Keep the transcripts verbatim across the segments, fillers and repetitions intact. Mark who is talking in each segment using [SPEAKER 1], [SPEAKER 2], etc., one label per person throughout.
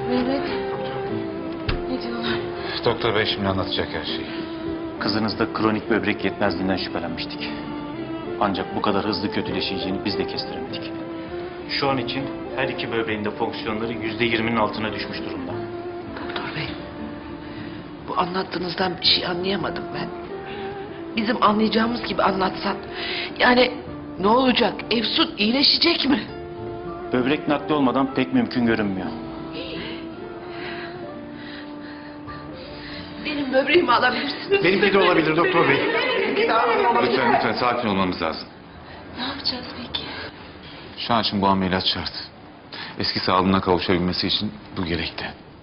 [SPEAKER 1] Mehmet. Ne diyorlar?
[SPEAKER 2] Doktor bey şimdi anlatacak her şeyi.
[SPEAKER 3] Kızınızda kronik böbrek yetmezliğinden şüphelenmiştik. Ancak bu kadar hızlı kötüleşeceğini biz de kestiremedik. Şu an için her iki böbreğinde fonksiyonları yüzde yirminin altına düşmüş durumda.
[SPEAKER 4] Doktor bey, bu anlattığınızdan bir şey anlayamadım ben. Bizim anlayacağımız gibi anlatsan. Yani ne olacak? Efsun iyileşecek mi?
[SPEAKER 3] Böbrek nakli olmadan pek mümkün görünmüyor.
[SPEAKER 4] Benim böbreğimi alabilirsiniz.
[SPEAKER 2] Benimki de olabilir doktor bey. Lütfen lütfen sakin olmamız lazım.
[SPEAKER 1] Ne yapacağız peki?
[SPEAKER 2] Şu an için bu ameliyat şart. Eski sağlığına kavuşabilmesi için bu gerekli.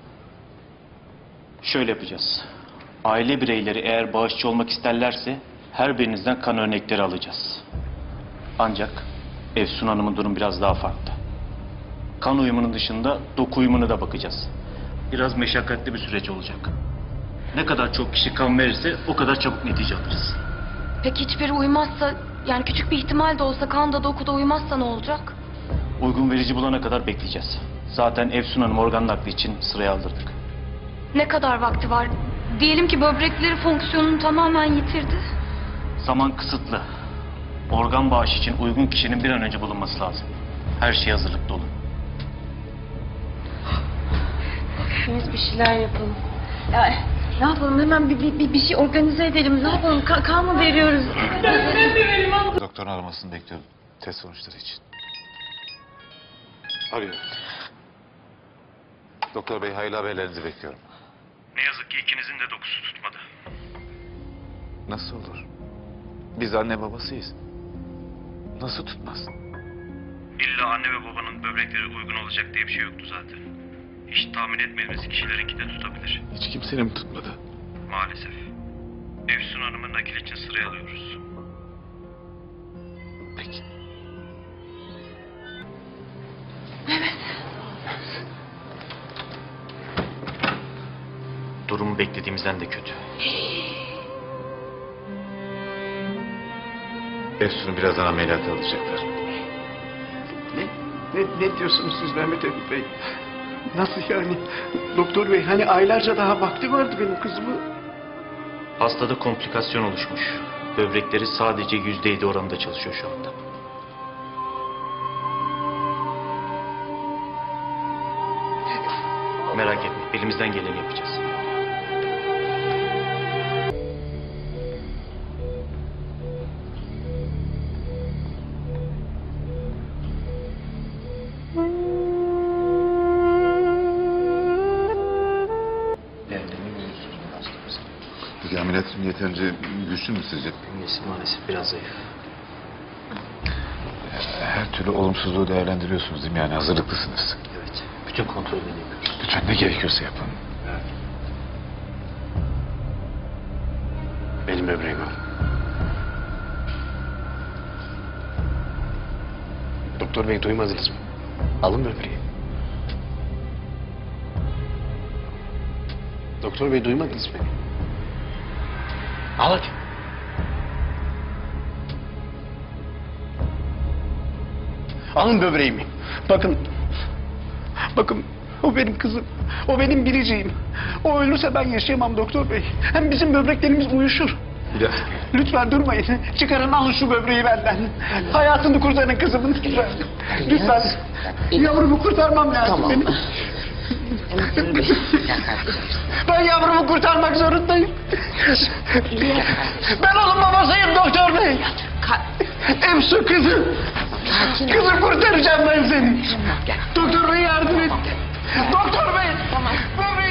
[SPEAKER 3] Şöyle yapacağız. Aile bireyleri eğer bağışçı olmak isterlerse her birinizden kan örnekleri alacağız. Ancak Efsun Hanım'ın durum biraz daha farklı. Kan uyumunun dışında doku uyumuna da bakacağız. Biraz meşakkatli bir süreç olacak. Ne kadar çok kişi kan verirse o kadar çabuk netice alırız.
[SPEAKER 1] Peki hiçbiri uymazsa, yani küçük bir ihtimal de olsa kanda dokuda uymazsa ne olacak?
[SPEAKER 3] Uygun verici bulana kadar bekleyeceğiz. Zaten Efsun Hanım organ nakli için sıraya aldırdık.
[SPEAKER 1] Ne kadar vakti var? Diyelim ki böbrekleri fonksiyonunu tamamen yitirdi.
[SPEAKER 3] Zaman kısıtlı. Organ bağışı için uygun kişinin bir an önce bulunması lazım. Her şey hazırlıklı olun.
[SPEAKER 1] Biz bir şeyler yapalım. Ya ne yapalım, hemen bir, bir, bir, bir şey organize edelim. Ne yapalım, Ka kan mı veriyoruz?
[SPEAKER 2] Doktorun aramasını bekliyorum. Test sonuçları için. Arıyor. Doktor bey hayırlı haberlerinizi bekliyorum.
[SPEAKER 3] Ne yazık ki ikinizin de dokusu tutmadı.
[SPEAKER 2] Nasıl olur? Biz anne babasıyız. Nasıl tutmaz?
[SPEAKER 3] İlla anne ve babanın böbrekleri uygun olacak diye bir şey yoktu zaten. Hiç tahmin etmediğimiz kişilerinki de tutabilir.
[SPEAKER 2] Hiç kimsenin mi tutmadı?
[SPEAKER 3] Maalesef. Efsun Hanım'ı nakil için sıraya alıyoruz.
[SPEAKER 2] Peki.
[SPEAKER 3] Durumu beklediğimizden de kötü.
[SPEAKER 2] Efsun'u birazdan ameliyata alacaklar.
[SPEAKER 5] Ne, ne, ne diyorsunuz siz Mehmet Emin Bey? Nasıl yani? Doktor bey hani aylarca daha vakti vardı benim kızımı.
[SPEAKER 3] Hastada komplikasyon oluşmuş. Böbrekleri sadece yüzde yedi oranında çalışıyor şu anda. Merak etme, elimizden geleni yapacağız.
[SPEAKER 2] Peki ameliyat için yeterince güçlü mü sizce?
[SPEAKER 3] Bünyesi maalesef biraz zayıf.
[SPEAKER 2] Her türlü olumsuzluğu değerlendiriyorsunuz değil mi? Yani hazırlıklısınız.
[SPEAKER 3] Evet, bütün kontrollerini yapıyoruz.
[SPEAKER 2] Lütfen ne gerekiyorsa yapın.
[SPEAKER 5] Benim böbreğim var. Doktor bey duymadınız mı? Alın böbreği. Doktor bey duymadınız mı? Al hadi. Alın böbreğimi. Bakın. Bakın. O benim kızım. O benim biriciğim. O ölürse ben yaşayamam doktor bey. Hem bizim böbreklerimiz uyuşur.
[SPEAKER 2] Biraz.
[SPEAKER 5] Lütfen durmayın. Çıkarın alın şu böbreği benden. Hayatını kurtarın kızımın. Lütfen. Lütfen. Yavrumu kurtarmam lazım benim. Ben yavrumu kurtarmak zorundayım. Ben onun babasıyım doktor bey. Efsun kızım. Kızım kurtaracağım ben seni. Doktor bey yardım et. Doktor bey. Böbreği